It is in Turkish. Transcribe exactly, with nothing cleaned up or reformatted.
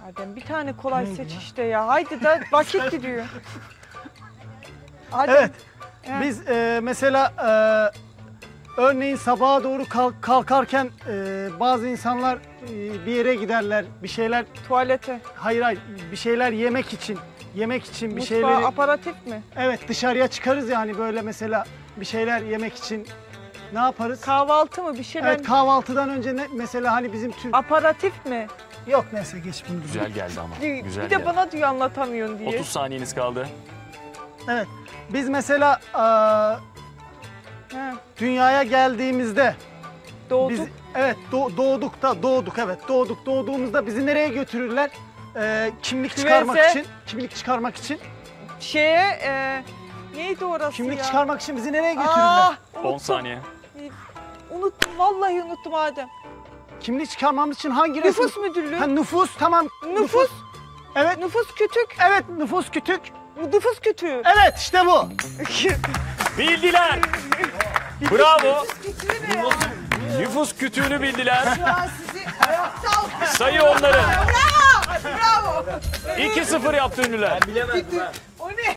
Adem bir tane kolay seç işte ya. Haydi da vakit gidiyor. Adem. Evet. Ha. Biz e, mesela e, örneğin sabaha doğru kalk, kalkarken e, bazı insanlar e, bir yere giderler, bir şeyler, Tuvalete. hayır hayır, bir şeyler yemek için, yemek için bir Mutfağı şeyleri, aparatif mi? evet dışarıya çıkarız yani böyle mesela bir şeyler yemek için ne yaparız? Kahvaltı mı bir şeyler? Evet, kahvaltıdan önce ne, mesela hani bizim Türk, Aparatif mi? yok neyse geç bunu. Güzel geldi ama. Bir Güzel de geldi. bana diyor anlatamıyorsun diye. otuz saniyeniz kaldı. Evet, biz mesela e, Ha, dünyaya geldiğimizde doğduk. biz evet do- doğduk da doğduk evet doğduk doğduğumuzda bizi nereye götürürler? Ee, kimlik Küveze. çıkarmak için, kimlik çıkarmak için, Şeye e, neydi orası kimlik ya? çıkarmak için bizi nereye götürürler? Ah, on unuttum. saniye. Unuttum vallahi unuttum Adem. Kimlik çıkarmamız için hangi resim? Nüfus müdürlüğü. Ha, nüfus tamam. Nüfus. Evet. Nüfus kütük. Evet nüfus kütük. Nüfus kütüğü. Evet işte bu. Bildiler. Bravo. Nüfus kütüğünü bildiler. Sayı onları. Bravo. iki sıfır yaptı ünlüler. O ne?